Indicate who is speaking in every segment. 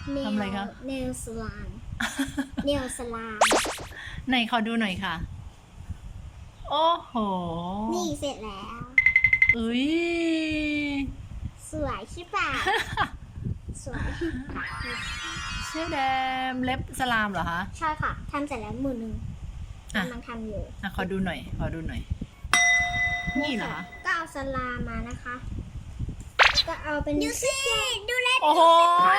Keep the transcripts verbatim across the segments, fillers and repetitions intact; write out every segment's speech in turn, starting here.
Speaker 1: ทำอะไรคะ
Speaker 2: เนลสลามเนลสลาม
Speaker 1: ไหนขอดูหน่อยค่ะ โอ้โห
Speaker 2: นี่เสร็จแล้ว
Speaker 1: อุ้ย
Speaker 2: สวยใช่ป่ะ สวย
Speaker 1: เชื่อแดมเล็บสลามเหรอคะ
Speaker 2: ใช่ค่ะทำเสร็จแล้วมือหนึ่ง
Speaker 1: อ่ะ
Speaker 2: กำลังทำอยู่
Speaker 1: อ่ะขอดูหน่อย ขอดูหน่อย นี่เหรอคะ
Speaker 2: ก็เอาสลามมานะคะ ก็เอาเป็นดูสิดูเล็บ
Speaker 1: โอ้โห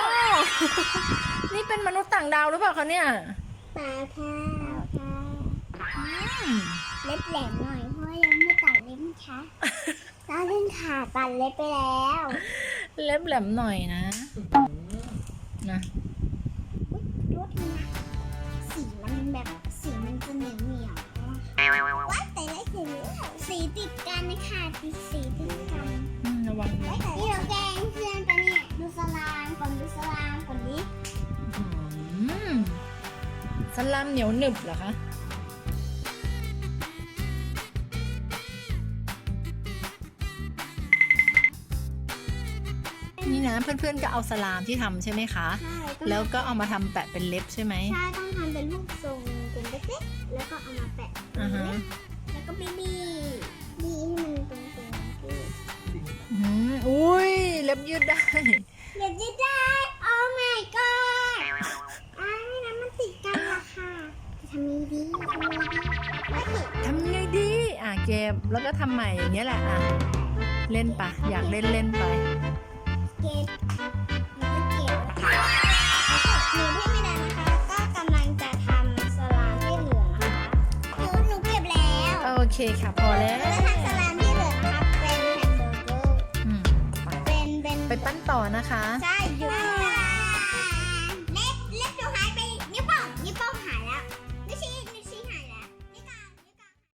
Speaker 1: นี่เป็นมนุษย์ต่างดาวหรือเปล่าคะเนี่ย
Speaker 2: ปลาข้าวค่ะ
Speaker 1: อืม
Speaker 2: เล็บแหลมหน่อยเพราะว่ายังไม่ตัดเล็บนะคะตาเล่นขาตัดเล็บไปแล้ว
Speaker 1: เล็บแหลมหน่อยนะนะ
Speaker 2: อุ๊ยโทษทีนะสีมันแบบสีมันจะเหนียวเหนียวว่าแต่ละสีสีติดกันนะคะติดสีติดกัน
Speaker 1: อืมระวัง
Speaker 2: นี่เราแกล้งเพื่อนปะเนี่ยดูสลามก่อนดูสลามก่อนดิ
Speaker 1: อืมสลามเหนียวหนึบเหรอคะ นี่นะเพื่อนๆก็เอาสลามที่ทำใช่ไหมคะ
Speaker 2: ใช่
Speaker 1: แล้วก็เอามาทำแปะเป็นเล็บใช่ไหม
Speaker 2: ใช่ต้องทำเป็นรูปทรงเป็นเล็กๆแล้วก็เอามาแปะ
Speaker 1: อ่าฮะ
Speaker 2: แล้วก็บีบีบีให้มันตรงๆที่
Speaker 1: อืมอุ้ยเล็บยืดได้
Speaker 2: เดี๋ยวจะได้ โอ้ my god อ้าวนี่นะมันติดกันละค่ะจะทำยังไงดีทำยังไงดีไม่เห็น
Speaker 1: ทำไงดีอ่ะเก็บแล้วก็ทำใหม่อย่างเงี้ยแหละอ่ะเล่นปะอยากเล่นเล่นไป
Speaker 2: เก็บแล้วก็เก็บหนูที่ไม่ได้นะคะ ก็กำลังจะทำสลามที่เหลือนะคะหนูหนูเก็บแล้ว
Speaker 1: โอเคค่ะพอแล้ว
Speaker 2: แล้วก็ทำสลามที่เหลือนะคะเป็นแฮมเบอร์เกอร์
Speaker 1: อืมไป
Speaker 2: เป็นเป็น
Speaker 1: ไปปั้นต่อนะคะ
Speaker 2: ใช่หยุด